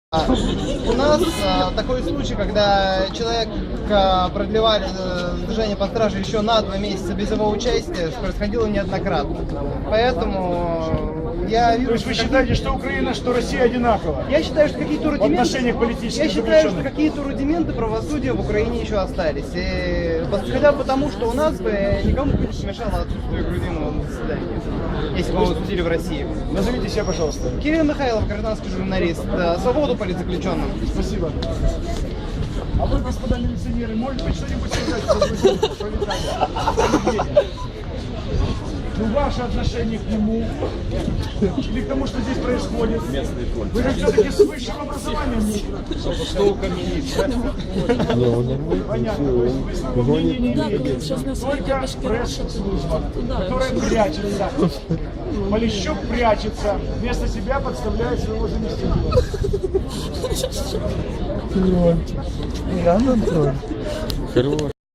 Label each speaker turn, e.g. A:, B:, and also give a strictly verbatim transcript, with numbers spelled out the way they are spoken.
A: У нас а, такой случай, когда человека продлевали э, задержание под стражей еще на два месяца без его участия, происходило неоднократно. Поэтому я вижу...
B: То есть вы считаете, что Украина, что Россия одинаково?
A: Я считаю, что какие-то рудименты...
B: В отношениях политических
A: Я считаю, что
B: заключенных.
A: какие-то рудименты правосудия в Украине еще остались. И хотя бы потому, что у нас бы никому бы не помешало отсутствие грузинного на заседании, если бы его судили в России.
B: Назовите себя, пожалуйста.
A: Кирилл Михайлов, гражданский журналист. Свободу политзаключенным.
B: Спасибо. А вы, господа милиционеры, может быть, что-нибудь сказать про Виталия? Ну, ваше отношение к нему или к тому, что здесь происходит? Вы же все-таки с высшим образованием. Понятно. То есть вы своего мнения не имеете. Только пресс-служба, которая прячется. Полищук прячется. Вместо себя подставляет своего заместителя.
C: Хорош.